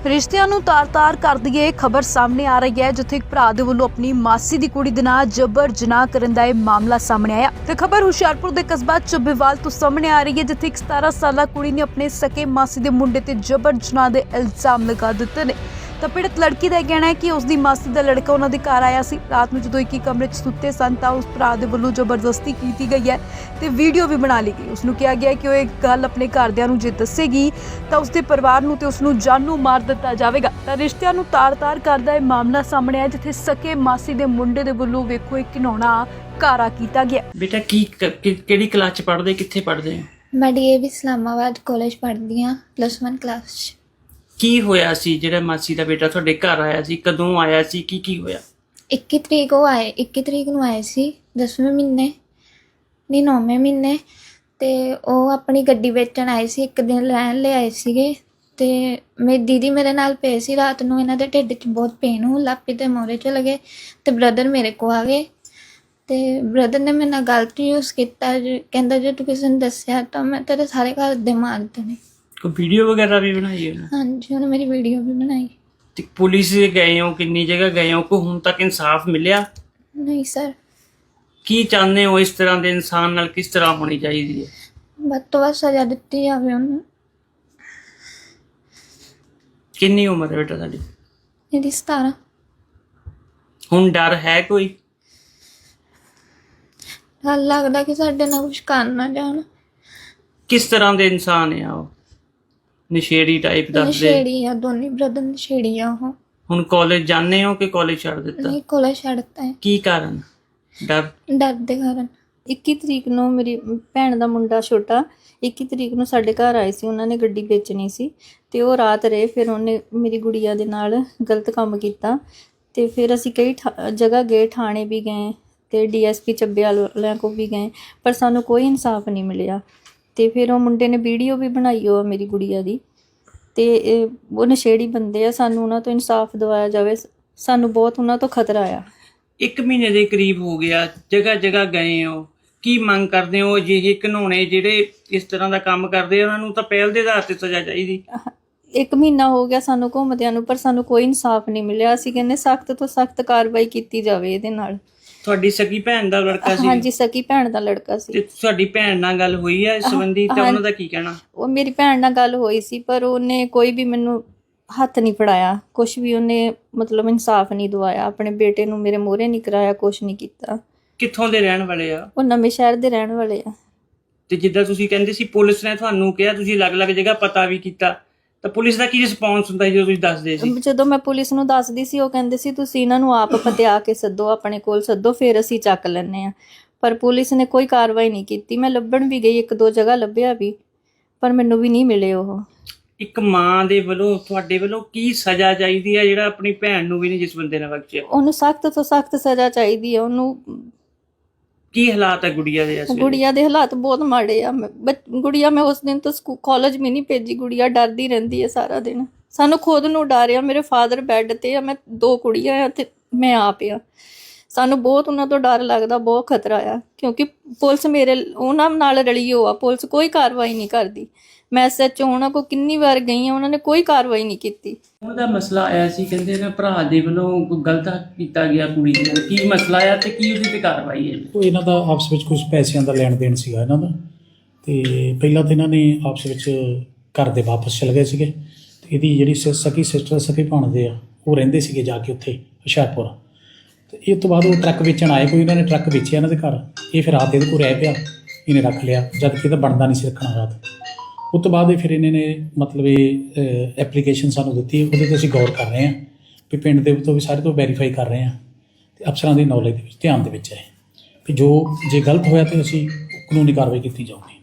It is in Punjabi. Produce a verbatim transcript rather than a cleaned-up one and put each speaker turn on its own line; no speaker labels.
ਰਿਸ਼ਤਿਆਂ ਨੂੰ ਤਾਰ-ਤਾਰ ਕਰਦੀ ਇਹ ਖਬਰ ਸਾਹਮਣੇ ਆ ਰਹੀ ਹੈ, ਜਿੱਥੇ ਇੱਕ ਭਰਾ ਦੇ ਵੱਲੋਂ ਆਪਣੀ ਮਾਸੀ ਦੀ ਕੁੜੀ ਦੇ ਨਾਲ ਜਬਰ ਜਨਾਹ ਕਰਨ ਦਾ ਇਹ ਮਾਮਲਾ ਸਾਹਮਣੇ ਆਇਆ। ਤੇ ਖਬਰ ਹੁਸ਼ਿਆਰਪੁਰ ਦੇ ਕਸਬਾ ਚੱਬੇਵਾਲ ਤੋਂ ਸਾਹਮਣੇ ਆ ਰਹੀ ਹੈ, ਜਿੱਥੇ ਇੱਕ ਸਤਾਰਾਂ ਸਾਲਾ ਕੁੜੀ ਨੇ ਆਪਣੇ ਸਕੇ ਮਾਸੀ ਦੇ ਮੁੰਡੇ ਤੇ ਜਬਰ ਜਨਾਹ ਦੇ ਇਲਜ਼ਾਮ ਲਗਾ ਦਿੱਤੇ ਨੇ। ਤਾਂ ਪੀੜਤ ਲੜਕੀ ਦਾ ਇਹ ਕਹਿਣਾ ਹੈ ਕਿ ਉਸ ਦੀ ਮਾਸੀ ਦਾ ਲੜਕਾ ਉਹਨਾਂ ਦੇ ਘਰ ਆਇਆ ਸੀ। ਰਾਤ ਨੂੰ ਜਦੋਂ ਇੱਕ ਹੀ ਕਮਰੇ 'ਚ ਸੁੱਤੇ ਸਨ ਤਾਂ ਉਸ ਭਰਾ ਦੇ ਵੱਲੋਂ ਜ਼ਬਰਦਸਤੀ ਕੀਤੀ ਗਈ ਹੈ ਤੇ ਵੀਡੀਓ ਵੀ ਬਣਾ ਲਈ ਗਈ। ਉਸ ਨੂੰ ਕਿਹਾ ਗਿਆ ਕਿ ਉਹ ਇਹ ਗੱਲ ਆਪਣੇ ਘਰਦਿਆਂ ਨੂੰ ਜੇ ਦੱਸੇਗੀ ਤਾਂ ਉਸ ਦੇ ਪਰਿਵਾਰ ਨੂੰ ਤੇ ਉਸ ਨੂੰ ਜਾਨੋਂ ਮਾਰ ਦਿੱਤਾ ਜਾਵੇਗਾ। ਤਾਂ ਰਿਸ਼ਤਿਆਂ ਨੂੰ ਤਾਰ-ਤਾਰ ਕਰਦਾ ਇਹ ਮਾਮਲਾ ਸਾਹਮਣੇ ਆਇਆ, ਜਿੱਥੇ ਸਕੇ ਮਾਸੀ ਦੇ ਮੁੰਡੇ ਦੇ ਵੱਲੋਂ ਵੇਖੋ ਇੱਕ ਘਿਨਾਉਣਾ ਕਾਰਾ ਕੀਤਾ ਗਿਆ।
ਬੇਟਾ ਕੀ ਕਿਹੜੀ ਕਲਾਸ 'ਚ ਪੜ੍ਹਦੇ, ਕਿੱਥੇ ਪੜ੍ਹਦੇ ਹੋ?
ਮੈਂ D A V Islamabad college ਪੜ੍ਹਦੀ ਹਾਂ, ਪਲੱਸ ਵਨ ਕਲਾਸ 'ਚ।
ਕੀ ਹੋਇਆ ਸੀ ਜਿਹੜਾ ਮਾਸੀ ਦਾ ਬੇਟਾ ਤੁਹਾਡੇ ਘਰ ਆਇਆ ਸੀ? ਕਦੋਂ ਆਇਆ ਸੀ? ਕੀ ਕੀ ਹੋਇਆ?
ਇੱਕੀ ਤਰੀਕ ਉਹ ਆਏ ਇੱਕੀ ਤਰੀਕ ਨੂੰ ਆਏ ਸੀ, ਦਸਵੇਂ ਮਹੀਨੇ ਨਹੀਂ ਨੌਵੇਂ ਮਹੀਨੇ। ਅਤੇ ਉਹ ਆਪਣੀ ਗੱਡੀ ਵੇਚਣ ਆਏ ਸੀ, ਇੱਕ ਦਿਨ ਰਹਿਣ ਲਈ ਆਏ ਸੀਗੇ। ਅਤੇ ਮੇਰੀ ਦੀਦੀ ਮੇਰੇ ਨਾਲ ਪਏ ਸੀ। ਰਾਤ ਨੂੰ ਇਹਨਾਂ ਦੇ ਢਿੱਡ 'ਚ ਬਹੁਤ ਪੇਨ ਹੋਣ ਲੱਗ ਪਈ ਅਤੇ ਮੋਰੇ ਚਲੇ ਗਏ ਅਤੇ ਬ੍ਰਦਰ ਮੇਰੇ ਕੋਲ ਆ ਗਏ। ਅਤੇ ਬ੍ਰਦਰ ਨੇ ਮੇਰੇ ਨਾਲ ਗਲਤ ਯੂਜ਼ ਕੀਤਾ, ਕਹਿੰਦਾ ਜੇ ਤੂੰ ਕਿਸੇ ਨੂੰ ਦੱਸਿਆ ਤਾਂ ਮੈਂ ਤੇਰੇ ਸਾਰੇ ਘਰ ਦੇ ਮਾਰ ਦੇਣੇ।
ਕੋਈ ਵੀਡੀਓ ਵਗੈਰਾ ਵੀ ਬਣਾਈ ਹੈ?
ਹਾਂਜੀ, ਉਹਨੇ ਮੇਰੀ ਵੀਡੀਓ ਵੀ ਬਣਾਈ।
ਤੇ ਪੁਲਿਸ ਗਏ ਹੋ, ਕਿੰਨੀ ਜਗ੍ਹਾ ਗਏ ਹੋ, ਕੋਈ ਹੁਣ ਤੱਕ ਇਨਸਾਫ ਮਿਲਿਆ?
ਨਹੀਂ ਸਰ।
ਕੀ ਚਾਹੁੰਦੇ ਹੋ ਇਸ ਤਰ੍ਹਾਂ ਦੇ ਇਨਸਾਨ ਨਾਲ ਕਿਸ ਤਰ੍ਹਾਂ ਹੋਣੀ ਚਾਹੀਦੀ ਹੈ?
ਵੱਧ ਤੋਂ ਵੱਧ ਸਜ਼ਾ ਦਿੱਤੀ ਜਾਵੇ ਉਹਨੂੰ।
ਕਿੰਨੀ ਉਮਰ ਹੈ ਬੇਟਾ ਤੁਹਾਡੀ?
ਇਹਦੀ ਸਤਾਰਾਂ।
ਹੁਣ ਡਰ ਹੈ ਕੋਈ?
ਡਰ ਲੱਗਦਾ ਕਿ ਸਾਡੇ ਨਾਲ ਕੁਛ ਕਰ ਨਾ ਜਾਣ।
ਕਿਸ ਤਰ੍ਹਾਂ ਦੇ ਇਨਸਾਨ ਆ ਉਹ? ਨਸ਼ੇੜੀ ਟਾਈਪ ਦੱਸਦੇ?
ਨਸ਼ੇੜੀ ਆ, ਦੋਨੇ ਬ੍ਰਦਰ ਨਸ਼ੇੜੀ ਆ ਉਹ।
ਹੁਣ ਕਾਲਜ ਜਾਂਦੇ ਹੋ ਕਿ ਕਾਲਜ ਛੱਡ ਦਿੱਤਾ?
ਨਹੀਂ, ਕਾਲਜ ਛੱਡਤਾ ਹੈ।
ਕੀ ਕਾਰਨ? ਡਰ?
ਡਰ ਦੇ ਕਾਰਨ।
ਇੱਕੀ ਤਰੀਕ ਨੂੰ ਮੇਰੀ ਭੈਣ ਦਾ ਮੁੰਡਾ ਛੋਟਾ ਇੱਕੀ ਤਰੀਕ ਨੂੰ ਸਾਡੇ ਘਰ ਆਏ ਸੀ। ਉਹਨਾਂ ਨੇ ਗੱਡੀ ਵੇਚਣੀ ਸੀ ਅਤੇ ਉਹ ਰਾਤ ਰਹੇ। ਫਿਰ ਉਹਨੇ ਮੇਰੀ ਗੁੜੀਆ ਦੇ ਨਾਲ ਗਲਤ ਕੰਮ ਕੀਤਾ ਅਤੇ ਫਿਰ ਅਸੀਂ ਕਈ ਠਾ ਜਗ੍ਹਾ ਗਏ, ਥਾਣੇ ਵੀ ਗਏ ਅਤੇ ਡੀ ਐਸ ਪੀ ਚੱਬੇਵਾਲ ਵਾਲਿਆਂ ਕੋਲ ਵੀ ਗਏ, ਪਰ ਸਾਨੂੰ ਕੋਈ ਇਨਸਾਫ ਨਹੀਂ ਮਿਲਿਆ। ਅਤੇ ਫਿਰ ਉਹ ਮੁੰਡੇ ਨੇ ਵੀਡੀਓ ਵੀ ਬਣਾਈ ਉਹ ਮੇਰੀ ਗੁੜੀਆ ਦੀ। ਅਤੇ ਉਹ ਨਸ਼ੇੜੀ ਬੰਦੇ ਆ, ਸਾਨੂੰ ਉਹਨਾਂ ਤੋਂ ਇਨਸਾਫ ਦਿਵਾਇਆ ਜਾਵੇ। ਸਾਨੂੰ ਬਹੁਤ ਉਹਨਾਂ ਤੋਂ ਖਤਰਾ ਆ।
ਇੱਕ ਮਹੀਨੇ ਦੇ ਕਰੀਬ ਹੋ ਗਿਆ, ਜਗ੍ਹਾ ਜਗ੍ਹਾ ਗਏ ਹੋ, ਕੀ ਮੰਗ ਕਰਦੇ ਹੋ? ਅਜਿਹੇ ਘਿਨਾਉਣੇ ਜਿਹੜੇ ਇਸ ਤਰ੍ਹਾਂ ਦਾ ਕੰਮ ਕਰਦੇ ਆ ਉਹਨਾਂ ਨੂੰ ਤਾਂ ਪਹਿਲ ਦੇ ਆਧਾਰ 'ਤੇ ਸਜ਼ਾ ਚਾਹੀਦੀ।
ਇੱਕ ਮਹੀਨਾ ਹੋ ਗਿਆ ਸਾਨੂੰ ਘੁੰਮਦਿਆਂ ਨੂੰ, ਪਰ ਸਾਨੂੰ ਕੋਈ ਇਨਸਾਫ ਨਹੀਂ ਮਿਲਿਆ। ਅਸੀਂ ਕਹਿੰਦੇ ਸਖਤ ਤੋਂ ਸਖਤ ਕਾਰਵਾਈ ਕੀਤੀ ਜਾਵੇ ਇਹਦੇ ਨਾਲ।
ਤੁਹਾਡੀ ਸਕੀ ਭੈਣ ਦਾ ਲੜਕਾ ਸੀ?
ਹਾਂਜੀ, ਸਕੀ ਭੈਣ ਦਾ ਲੜਕਾ ਸੀ।
ਤੇ ਤੁਹਾਡੀ ਭੈਣ ਨਾਲ ਗੱਲ ਹੋਈ ਹੈ ਇਸ ਸੰਬੰਧੀ ਤੇ ਉਹਨਾਂ ਦਾ ਕੀ ਕਹਿਣਾ? ਉਹ
ਮੇਰੀ ਭੈਣ ਨਾਲ ਗੱਲ ਹੋਈ ਸੀ, ਪਰ ਉਹਨੇ ਕੋਈ ਵੀ ਮੈਨੂੰ ਹੱਥ ਨਹੀਂ ਫੜਾਇਆ, ਕੁਛ ਵੀ ਉਹਨੇ ਮਤਲਬ ਇਨਸਾਫ ਨਹੀਂ ਦਵਾਇਆ। ਆਪਣੇ ਬੇਟੇ ਨੂੰ ਮੇਰੇ ਮੂਹਰੇ ਨਹੀਂ ਕਰਾਇਆ, ਕੁਛ ਨਹੀਂ ਕੀਤਾ।
ਕਿੱਥੋਂ ਦੇ ਰਹਿਣ ਵਾਲੇ ਆ?
ਉਹ ਨਵੇਂ ਸ਼ਹਿਰ ਦੇ ਰਹਿਣ ਵਾਲੇ ਆ।
ਤੇ ਜਿੱਦਾਂ ਤੁਸੀਂ ਕਹਿੰਦੇ ਸੀ ਪੁਲਿਸ ਨੇ ਤੁਹਾਨੂੰ ਕਿਹਾ, ਤੁਸੀਂ ਅਲੱਗ-ਅਲੱਗ ਜਗ੍ਹਾ ਪਤਾ ਵੀ ਕੀਤਾ, ਤਾਂ ਪੁਲਿਸ ਦਾ ਕੀ ਰਿਸਪੌਂਸ ਹੁੰਦਾ ਜਦੋਂ ਤੁਸੀਂ ਦੱਸਦੇ ਸੀ?
ਜਦੋਂ ਮੈਂ ਪੁਲਿਸ ਨੂੰ ਦੱਸਦੀ ਸੀ, ਉਹ ਕਹਿੰਦੇ ਸੀ ਤੁਸੀਂ ਇਹਨਾਂ ਨੂੰ ਆਪ ਪਤਿਆ ਕੇ ਸੱਦੋ, ਆਪਣੇ ਕੋਲ ਸੱਦੋ, ਫਿਰ ਅਸੀਂ ਚੱਕ ਲੈਂਦੇ ਹਾਂ। ਪਰ ਪੁਲਿਸ ਨੇ ਕੋਈ ਕਾਰਵਾਈ ਨਹੀਂ ਕੀਤੀ। ਮੈਂ ਲੱਭਣ ਵੀ ਗਈ, ਇੱਕ ਦੋ ਜਗ੍ਹਾ ਲੱਭਿਆ ਵੀ, ਪਰ ਮੈਨੂੰ ਵੀ ਨਹੀਂ ਮਿਲੇ ਉਹ।
ਇੱਕ ਮਾਂ ਦੇ ਵੱਲੋਂ ਤੁਹਾਡੇ ਵੱਲੋਂ ਕੀ ਸਜ਼ਾ ਚਾਹੀਦੀ ਹੈ ਜਿਹੜਾ ਆਪਣੀ ਭੈਣ ਨੂੰ ਵੀ ਨਹੀਂ ਜਿਸ ਬੰਦੇ ਨੇ ਬਖਸ਼ਿਆ?
ਉਹਨੂੰ ਸਖਤ ਤੋਂ ਸਖਤ ਸਜ਼ਾ ਚਾਹੀਦੀ ਹੈ। ਉਹਨੂੰ
ਕੀ ਹਾਲਾਤ ਹੈ ਗੁੜੀਆ ਦੇ?
ਗੁੜੀਆ ਦੇ ਹਾਲਾਤ ਬਹੁਤ ਮਾੜੇ ਆ। ਗੁੜੀਆ ਮੈਂ ਉਸ ਦਿਨ ਤੋਂ ਸਕੂਲ ਕਾਲਜ ਵੀ ਨਹੀਂ ਭੇਜੀ। ਗੁੜੀਆ ਡਰਦੀ ਰਹਿੰਦੀ ਹੈ ਸਾਰਾ ਦਿਨ। ਸਾਨੂੰ ਖੁਦ ਨੂੰ ਡਰ ਆ। ਮੇਰੇ ਫਾਦਰ ਬੈੱਡ 'ਤੇ ਆ, ਮੈਂ ਦੋ ਕੁੜੀਆਂ ਆ ਅਤੇ ਮੈਂ ਆਪ ਆ। ਸਾਨੂੰ ਬਹੁਤ ਉਹਨਾਂ ਤੋਂ ਡਰ ਲੱਗਦਾ, ਬਹੁਤ ਖਤਰਾ ਆ, ਕਿਉਂਕਿ ਪੁਲਿਸ ਮੇਰੇ ਉਹਨਾਂ ਨਾਲ ਰਲੀ ਹੋ ਆ। ਪੁਲਿਸ ਕੋਈ ਕਾਰਵਾਈ ਨਹੀਂ ਕਰਦੀ। ਮੈਂ ਐਸ ਐਚ ਓ ਉਹਨਾਂ ਕੋਲ ਕਿੰਨੀ ਵਾਰ ਗਈ ਹਾਂ, ਉਹਨਾਂ ਨੇ ਕੋਈ ਕਾਰਵਾਈ ਨਹੀਂ ਕੀਤੀ।
ਉਹਦਾ ਮਸਲਾ ਆਇਆ ਸੀ, ਕਹਿੰਦੇ ਨਾ ਭਰਾ ਦੇ ਵੱਲੋਂ ਕੋਈ ਗਲਤ ਕੀਤਾ ਗਿਆ ਕੁੜੀ ਦੇ ਨਾਲ। ਕੀ ਮਸਲਾ ਆ ਤੇ ਕੀ ਉਹਦੀ ਤੇ ਕਾਰਵਾਈ ਹੈ?
ਉਹ ਇਹਨਾਂ ਦਾ ਆਪਸ ਵਿੱਚ ਕੁਝ ਪੈਸਿਆਂ ਦਾ ਲੈਣ ਦੇਣ ਸੀਗਾ ਇਹਨਾਂ ਦਾ। ਅਤੇ ਪਹਿਲਾਂ ਤਾਂ ਇਹਨਾਂ ਨੇ ਆਪਸ ਵਿੱਚ ਘਰ ਦੇ ਵਾਪਸ ਚਲੇ ਗਏ ਸੀਗੇ। ਅਤੇ ਇਹਦੀ ਜਿਹੜੀ ਸ ਸਕੀ ਸਿਸਟਰ ਸਕੀ ਭਾਣਦੇ ਆ, ਉਹ ਰਹਿੰਦੇ ਸੀਗੇ ਜਾ ਕੇ ਉੱਥੇ ਹੁਸ਼ਿਆਰਪੁਰ। ਅਤੇ ਇਹ ਤੋਂ ਬਾਅਦ ਉਹ ਟਰੱਕ ਵੇਚਣ ਆਏ, ਕੋਈ ਇਹਨਾਂ ਨੇ ਟਰੱਕ ਵੇਚਿਆ ਇਹਨਾਂ ਦੇ ਘਰ। ਇਹ ਫਿਰ ਰਾਤ ਇਹਦੇ ਕੋਲ ਰਹਿ ਪਿਆ, ਇਹਨੇ ਰੱਖ ਲਿਆ, ਜਦ ਕਿ ਇਹਦਾ ਬਣਦਾ ਨਹੀਂ ਸੀ ਰੱਖਣਾ ਰਾਤ। ਉਸ ਤੋਂ ਬਾਅਦ ਫਿਰ ਇਹਨਾਂ ਨੇ ਮਤਲਬ ਇਹ ਐਪਲੀਕੇਸ਼ਨ ਸਾਨੂੰ ਦਿੱਤੀ, ਉਹਦੇ 'ਤੇ ਅਸੀਂ ਗੌਰ ਕਰ ਰਹੇ ਹਾਂ ਵੀ ਪਿੰਡ ਦੇ ਤੋਂ ਵੀ ਸਾਰੇ ਤੋਂ ਵੈਰੀਫਾਈ ਕਰ ਰਹੇ ਹਾਂ ਅਤੇ ਅਫਸਰਾਂ ਦੀ ਨੌਲੇਜ ਦੇ ਵਿੱਚ ਧਿਆਨ ਦੇ ਵਿੱਚ ਹੈ ਵੀ ਜੋ ਜੇ ਗਲਤ ਹੋਇਆ ਤਾਂ ਅਸੀਂ ਕਾਨੂੰਨੀ ਕਾਰਵਾਈ ਕੀਤੀ ਜਾਊਗੀ।